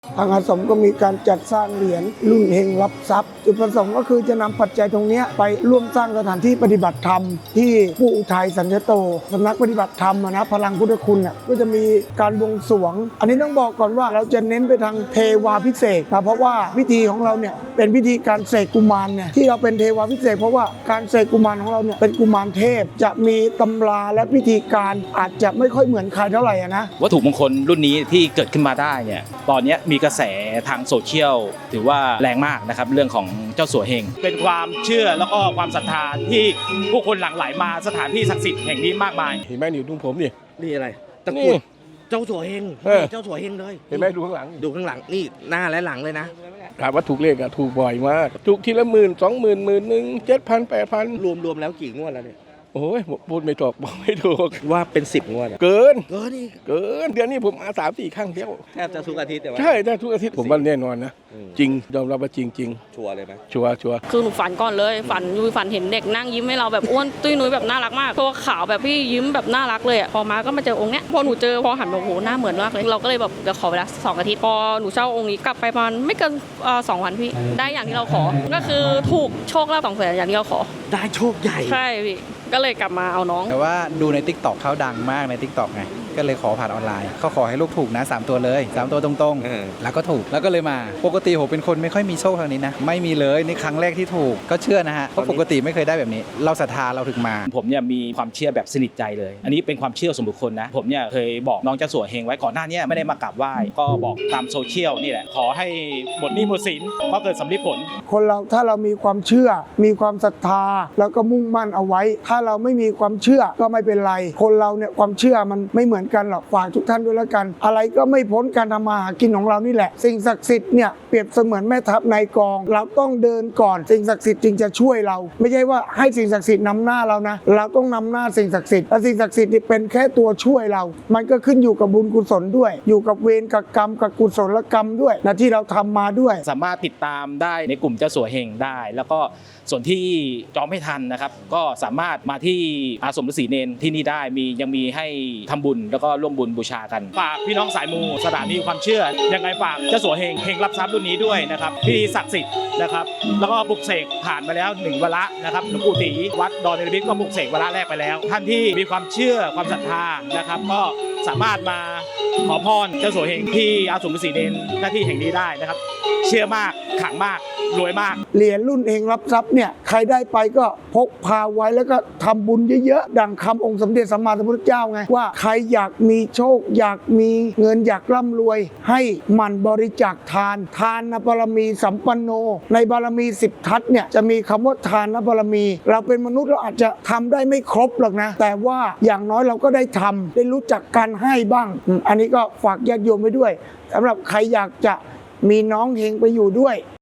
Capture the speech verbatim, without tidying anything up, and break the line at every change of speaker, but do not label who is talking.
ทางอาสมก็มีการจัดสร้างเหรียญรุ่นเฮงรับทรัพย์จุดประสงค์ก็คือจะนำปัจจัยตรงนี้ไปร่วมสร้างสถานที่ปฏิบัติธรรมที่ปู่อุทัยสัญญโตสำนักปฏิบัติธรรมนะพลังพุทธคุณเนี่ยก็จะมีการบวงสรวงอันนี้ต้องบอกก่อนว่าเราจะเน้นไปทางเทวาพิเศษนะเพราะว่าพิธีของเราเนี่ยเป็นพิธีการเสกกุมารเนี่ยที่เราเป็นเทวาพิเศษเพราะว่าการเสกกุมารของเราเนี่ยเป็นกุมารเทพจะมีตำราและพิธีการอาจจะไม่ค่อยเหมือนใครเท่าไหร่นะ
วัตถุมงคลรุ่นนี้ที่เกิดขึ้นมาได้เนี่ยตอนนี้มีกระแสทางโซเชียลถือว่าแรงมากนะครับเรื่องของเจ้าสัวเฮงเป็นความเชื่อแล้วก็ความศรัทธาที่ผู้คนหลั่งไหลมาสถานที่ศักดิ์สิทธิ์แห่งนี้มากมาย
เห็นไหมอยู่ตรงผมนี่
นี่อะไรตะกรุดเจ้าสัวเฮงเจ้าสัวเฮงเลย
เห็นไหมดูข้างหลัง
ดูข้างหลังนี่หน้าและหลังเลยนะ
ถามว่าถูกเลขอะถูกบ่อยมากถูกทีละหมื่นสองหมื่นหมื่นหนึ่งเจ็ดพันแปดพัน
รวมรวมแล้วกี่งวดแล้วเนี่ย
โอ้ยพูดไม่ถูกบอกไม่ถูก
ว่าเป็นสิบงวด
เกิน
เกินนี่
เกินเดือนนี้ผมมาสามสี่ครั้งเที่ยว
แทบจะทุกอาทิตย์แต่ว่า
ใช่แทบทุกอาทิตย์ผมว่าแน่นอนนะจริงยอมรับว่าจริงจริง
ชัวร์เลยไหม
ชัวร์ชัวร์
คือหนูฝันก่อนเลยฝันยูฝันเห็นเด็กนั่งยิ้มให้เราแบบอ้วนตุ้ยนุ้ยแบบน่ารักมากตัวขาวแบบพี่ยิ้มแบบน่ารักเลยอ่ะพอมาก็มาเจอองค์เนี้ยพอหนูเจอพอหันมาโอ้โหหน้าเหมือนมากเลยเราก็เลยแบบเดี๋ยวขอเวลาสองอาทิตย์พอหนูเช่าองค์นี้กลับไปประมาณไม่เกินสองวันพี่ได้อย่างที่เราขอก็คือถูกโชคลาภสองแสนอย่างที่เราขอ
ได้โชคใหญ่
ใช่พี่ก็เลยกลับมาเอาน้อง
แต่ว่าดูใน ติ๊กต็อก เขาดังมากใน ติ๊กต็อก ไงก็เลยขอผ่านออนไลน์เขาขอให้ลูกถูกนะสามตัวเลยสามตัวตรงๆแล้วก็ถูกแล้วก็เลยมาปกติผมเป็นคนไม่ค่อยมีโชคทางนี้นะไม่มีเลยนี่ครั้งแรกที่ถูกก็เชื่อนะฮะเพราะปกติไม่เคยได้แบบนี้เราศรัทธาเราถึงมา
ผมเนี่ยมีความเชื่อแบบสนิทใจเลยอันนี้เป็นความเชื่อส่วนบุคคลนะผมเนี่ยเคยบอกน้องเจ้าสัวเฮงไว้ก่อนหน้านี้ไม่ได้มากราบไหว้ก็บอกตามโซเชียลนี่แหละขอให้หมดหนี้หมดสินเพราะเกิดสำลิดผล
คนเราถ้าเรามีความเชื่อมีความศรัทธาแล้วก็มุ่งมั่นเอาไว้ถ้าเราไม่มีความเชื่อก็ไม่เป็นไรคนเราเนี่ยความเชื่อมันไม่เหมือนกันหรอกฝากทุกท่านด้วยแล้วกันอะไรก็ไม่พ้นการทำมาหากินของเรานี่แหละสิ่งศักดิ์สิทธิ์เนี่ยเปรียบเสมือนแม่ทัพนายกองเราต้องเดินก่อนสิ่งศักดิ์สิทธิ์จึงจะช่วยเราไม่ใช่ว่าให้สิ่งศักดิ์สิทธิ์นำหน้าเรานะเราต้องนำหน้าสิ่งศักดิ์สิทธิ์และสิ่งศักดิ์สิทธิ์นี่เป็นแค่ตัวช่วยเรามันก็ขึ้นอยู่กับบุญกุศลด้วยอยู่กับเวรกับกรรมกับกุศลกรรมด้วยนะที่เราทำมาด้วย
สามารถติดตามได้ในกลุ่มเจ้าสัวเฮงได้แล้วก็ส่วนที่จองไม่ทันนะครับก็สามารถมาที่อาสมฤาษีเนรที่นี่ได้มียังมีให้ทำบุญแล้วก็ร่วมบุญบูชากันฝากพี่น้องสายมูสถานีความเชื่อยังไงฝากเจ้าสัวเฮงเฮงรับทรัพย์รุ่นนี้ด้วยนะครับพิธีศักดิ์สิทธิ์นะครับแล้วก็ปลุกเสกผ่านมาแล้วหนึ่งวาระนะครับหลวงปู่ตีวัดดอนเนรมิตก็ปลุกเสกวาระแรกไปแล้วท่านที่มีความเชื่อความศรัทธานะครับก็สามารถมาขอพรเจ้าสัวเฮงที่อาสมฤาษีเนรหน้าที่แห่งนี้ได้นะครับเชื่อมากขลังมากรวยมาก
เหรียญรุ่นเฮงรับทรัพย์เนี่ยใครได้ไปก็พกพาไว้แล้วก็ทำบุญเยอะๆดังคำองค์สมเด็จสัมมาสัมพุทธเจ้าไงว่าใครอยากมีโชคอยากมีเงินอยากร่ำรวยให้หมั่นบริจาคทานทานบารมีสัมปันโนในบารมีสิบทัศน์เนี่ยจะมีคำว่าทานบารมี เราเป็นมนุษย์เราอาจจะทำได้ไม่ครบหรอกนะแต่ว่าอย่างน้อยเราก็ได้ทำได้รู้จักการให้บ้างอันนี้ก็ฝากญาติโยมไว้ด้วยสำหรับใครอยากจะมีน้องเฮงไปอยู่ด้วย